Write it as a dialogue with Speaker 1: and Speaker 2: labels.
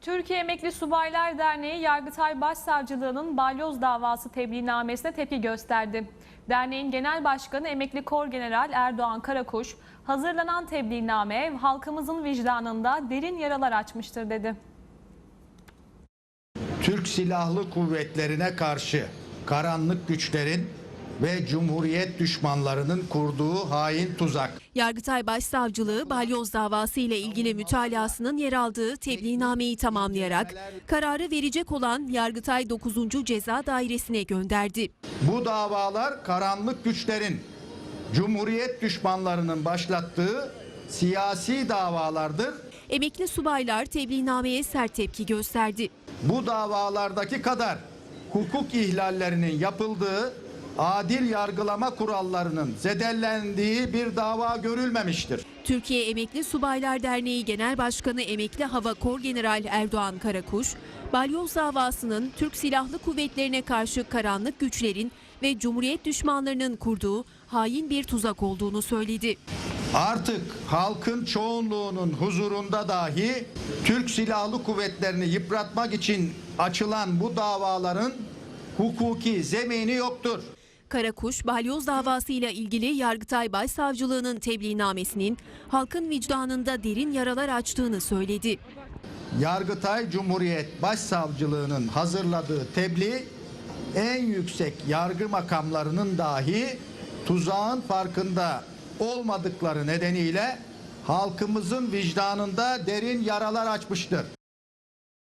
Speaker 1: Türkiye Emekli Subaylar Derneği Yargıtay Başsavcılığı'nın balyoz davası tebliğnamesine tepki gösterdi. Derneğin Genel Başkanı Emekli Korgeneral Erdoğan Karakuş, hazırlanan tebliğname halkımızın vicdanında derin yaralar açmıştır dedi.
Speaker 2: Türk Silahlı Kuvvetlerine karşı karanlık güçlerin ve Cumhuriyet düşmanlarının kurduğu hain tuzak.
Speaker 3: Yargıtay Başsavcılığı balyoz davası ile ilgili mütalasının yer aldığı tebliğnameyi tamamlayarak kararı verecek olan Yargıtay 9. Ceza Dairesi'ne gönderdi.
Speaker 2: Bu davalar karanlık güçlerin, Cumhuriyet düşmanlarının başlattığı siyasi davalardır.
Speaker 3: Emekli subaylar tebliğnameye sert tepki gösterdi.
Speaker 2: Bu davalardaki kadar hukuk ihlallerinin yapıldığı, adil yargılama kurallarının zedelendiği bir dava görülmemiştir.
Speaker 3: Türkiye Emekli Subaylar Derneği Genel Başkanı Emekli Hava Korgeneral Erdoğan Karakuş, balyoz davasının Türk Silahlı Kuvvetlerine karşı karanlık güçlerin ve Cumhuriyet düşmanlarının kurduğu hain bir tuzak olduğunu söyledi.
Speaker 2: Artık halkın çoğunluğunun huzurunda dahi Türk Silahlı Kuvvetlerini yıpratmak için açılan bu davaların hukuki zemini yoktur.
Speaker 3: Karakuş, balyoz davasıyla ilgili Yargıtay Başsavcılığı'nın tebliğnamesinin halkın vicdanında derin yaralar açtığını söyledi.
Speaker 2: Yargıtay Cumhuriyet Başsavcılığı'nın hazırladığı tebliğ en yüksek yargı makamlarının dahi tuzağın farkında olmadıkları nedeniyle halkımızın vicdanında derin yaralar açmıştır.